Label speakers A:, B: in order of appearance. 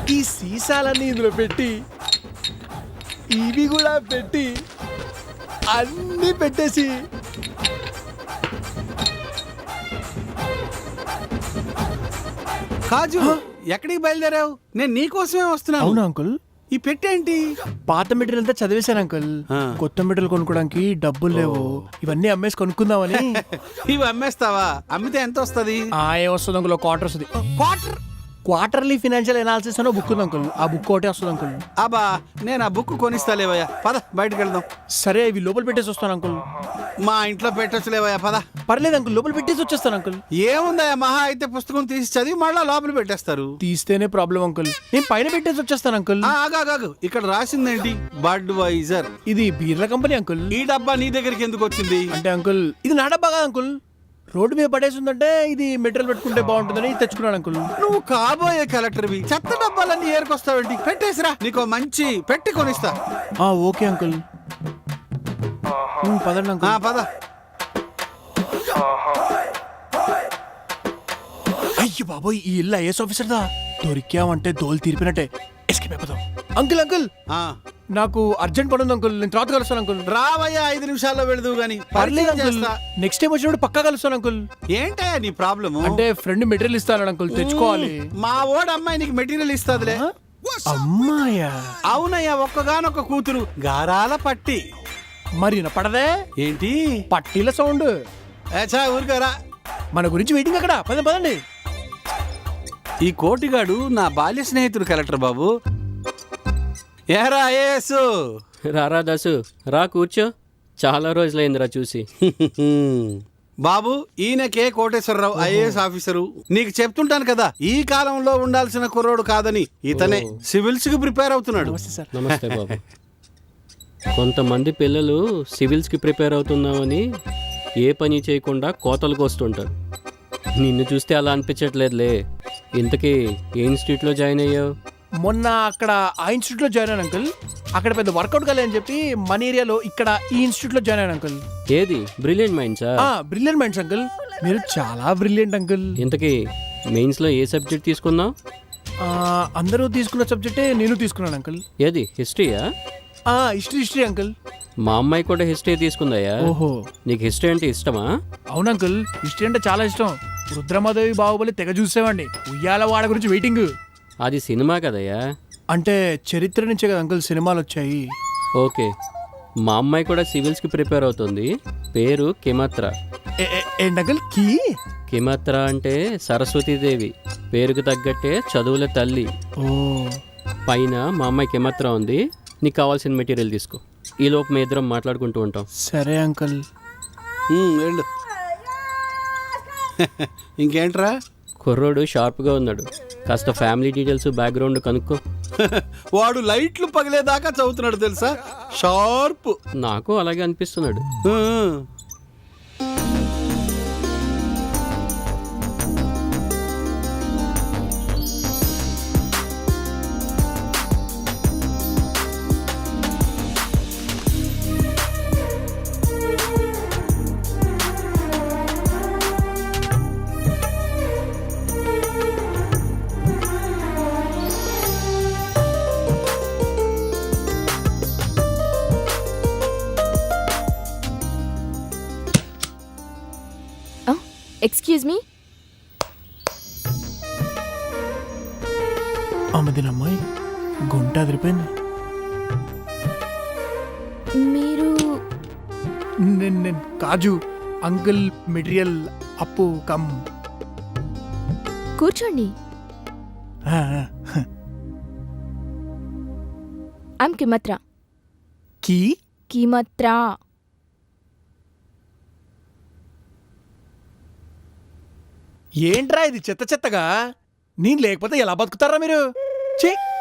A: ఈ సీసాలన్నీ ఇందులో పెట్టి ఇవి కూడా పెట్టి అన్నీ పెట్టేసి
B: కాజు ఎక్కడికి బయలుదేరావు? నేను నీకోసమే వస్తున్నాను.
A: అవునా అంకుల్?
B: ఈ పెట్టేంటి?
A: పాత మెటీరియల్ అంతా చదివేశాను అంకుల్. కొత్త మెటీరియల్ కొనుక్కోడానికి డబ్బులు లేవు. ఇవన్నీ అమ్మేసి కొనుక్కుందామని.
B: ఇవి అమ్మేస్తావా? అమ్మితే ఎంత వస్తుంది?
A: ఏం వస్తుంది అంకుల్? క్వార్టర్ వస్తుంది.
B: క్వార్టర్?
A: క్వార్టర్లీ ఫినాన్షియల్ ఎనాలిసిస్ అనే బుక్ ఉంది అంకుల్. ఆ బుక్ ఒకటే వస్తుంది అంకుల్.
B: అబ్బా నేను ఆ బుక్ కొనిస్తాలేవయ్యా, పద బయటకు వెళ్దాం.
A: సరే ఇవి లోపల పెట్టేసి వస్తాను అంకుల్.
B: మా ఇంట్లో పెట్టొచ్చులేవయ్యా, పద.
A: పర్లేదు అంకుల్, లోపల పెట్టేసి వచ్చేస్తాను అంకుల్.
B: ఏముందయ్యా, మహా అయితే పుస్తకం తీసి చదివి మళ్ళా లోపల పెట్టేస్తారు.
A: తీస్తేనే ప్రాబ్లం అంకుల్. నేను పైన పెట్టేసి వచ్చేస్తాను అంకుల్.
B: ఆగాగాగు, ఇక్కడ రాసిందేంటి? బడ్ వైజర్.
A: ఇది బీర్ల కంపెనీ అంకుల్.
B: ఈ డబ్బా నీ దగ్గరికి ఎందుకు వచ్చింది?
A: అంటే అంకుల్ ఇది నా డబ్బా కదా అంకుల్. రోడ్డు మీద పడేసి ఉందంటే ఇది మెటీరియల్ పెట్టుకుంటే బాగుంటుందని తెచ్చుకున్నాను అంకుల్.
B: నువ్వు కాబోయే కలెక్టర్వి, చెత్త డబ్బాలన్నీ ఏరుకొస్తావేంటి? పెట్టేసిరా, నీకు మంచి పెట్టి కొనిస్తా.
A: Okay uncle. పదండి అంకుల్.
B: పద.
A: అయ్యో బాబోయ్, ఈ ఇల్లు ఐఏఎస్ ఆఫీసర్ దా. దొరికామంటే దోలు తీర్పినట్టే. ఎస్కేప్ అయిపోదాం. అంకుల్ అంకుల్ నాకు అర్జెంట్ పని ఉంది అంకుల్. నేను తర్వాత కలుస్తాను అంకుల్.
B: రావయ్యా, 5 నిమిషాల్లో వెళదు గాని.
A: పర్లేదు అంకుల్, నెక్స్ట్ టైం వచ్చినప్పుడు పక్కా కలుస్తాను అంకుల్.
B: ఏంటయ్యా నీ ప్రాబ్లమ్?
A: అంటే ఫ్రెండ్ మెటీరియల్ ఇస్తాను అంకుల్, తెచ్చుకోవాలి.
B: మా ఓడి అమ్మాయి నీకు మెటీరియల్ ఇస్తాదిలే.
A: అమ్మాయా?
B: అవునయ్యా, ఒక్కగానొక్క కూతురు, గారాల పట్టి.
A: మరి పడదే
B: ఏంటి
A: పట్టీల సౌండ్?
B: ఊరికరా,
A: మన గురించి వెయిటింగ్ అక్కడ. పదండి పదండి.
B: ఈ కోటిగాడు నా బాల్య స్నేహితుడు కలెక్టర్ బాబు. ఏరా ఐఏఎస్?
C: రారా దాసు, రా కూర్చో. చాలా రోజులైందిరా చూసి.
B: బాబు, ఈయన కే కోటేశ్వరరావు, ఐఏఎస్ ఆఫీసరు. నీకు చెప్తుంటాను కదా, ఈ కాలంలో ఉండాల్సిన కుర్రోడు కాదని. ఇతనే సివిల్స్ కి ప్రిపేర్ అవుతున్నాడు.
C: నమస్తే బాబు. కొంతమంది పిల్లలు సివిల్స్కి ప్రిపేర్ అవుతున్నామని ఏ పని చేయకుండా కోతలకు వస్తుంటారు. నిన్ను చూస్తే అలా అనిపించట్లేదులే. ఇంతకీ ఏ ఇన్స్టిట్యూట్లో జాయిన్ అయ్యావు?
A: మొన్న అక్కడ ఆ ఇన్స్టిట్యూట్ లో జాయిన్ అయ్యాను అంకుల్. అక్కడ పెద్ద వర్కౌట్ కాలే అని చెప్పి మన ఏరియాలో ఇక్కడ ఈ ఇన్స్టిట్యూట్ లో జాయిన్ అయ్యాను అంకుల్.
C: ఏది? బ్రిలియంట్ మైండ్సా?
A: Brilliant minds uncle. మీరు చాలా బ్రిలియంట్ అంకుల్.
C: ఇంతకీ మెయిన్స్లో ఏ సబ్జెక్ట్ తీసుకున్నావు?
A: అందరూ తీసుకున్న సబ్జెక్టే నేను తీసుకున్నాను అంకుల్.
C: ఏది? హిస్టరీయా?
A: History uncle.
C: మా అమ్మాయి కూడా హిస్టరీ తీసుకుందాయా?
A: ఓహో,
C: నీకు హిస్టరీ అంటే ఇష్టమా?
A: అవును అంకుల్, హిస్టరీ అంటే చాలా ఇష్టం. రుద్రమాదేవి బాహుబలి తెగ చూసేవాడిని. ఉయ్యాల వాడ గురించి వెయిటింగ్.
C: అది సినిమా కదయ్యా.
A: అంటే చరిత్ర నుంచే కదా అంకుల్ సినిమాలు వచ్చాయి.
C: ఓకే, మా అమ్మాయి కూడా సివిల్స్కి ప్రిపేర్ అవుతుంది. పేరు కిమత్ర.
A: ఏంటంకుల్?
C: కిమత్ర అంటే సరస్వతీదేవి. పేరుకు తగ్గట్టే చదువుల తల్లి. పైన మా అమ్మాయి కిమత్ర ఉంది. నీకు కావాల్సిన మెటీరియల్ తీసుకో. ఈ లోపు మీ ఇద్దరం మాట్లాడుకుంటూ ఉంటాం.
A: సరే అంకుల్.
B: వెళ్ళు. ఇంకేంట్రా?
C: కుర్రోడు షార్ప్గా ఉన్నాడు. కాస్త ఫ్యామిలీ డీటెయిల్స్, బ్యాక్గ్రౌండ్ కనుక్కో.
B: వాడు లైట్లు పగిలేదాకా చదువుతున్నాడు తెలుసా, షార్ప్.
C: నాకు అలాగే అనిపిస్తున్నాడు.
D: Excuse me.
A: అమ్మదిన అమ్మాయి గుంట అదిరిపోయింది.
D: మీరు?
A: నేను కాజు అంకుల్. మెటీరియల్ అప్పు కమ్.
D: కూర్చోండి. ఐమ్ కిమత్ర. కిమత్ర.
A: ఏంట్రా ఇది చెత్త చెత్తగా? నేను లేకపోతే ఎలా బతుకుతారా మీరు?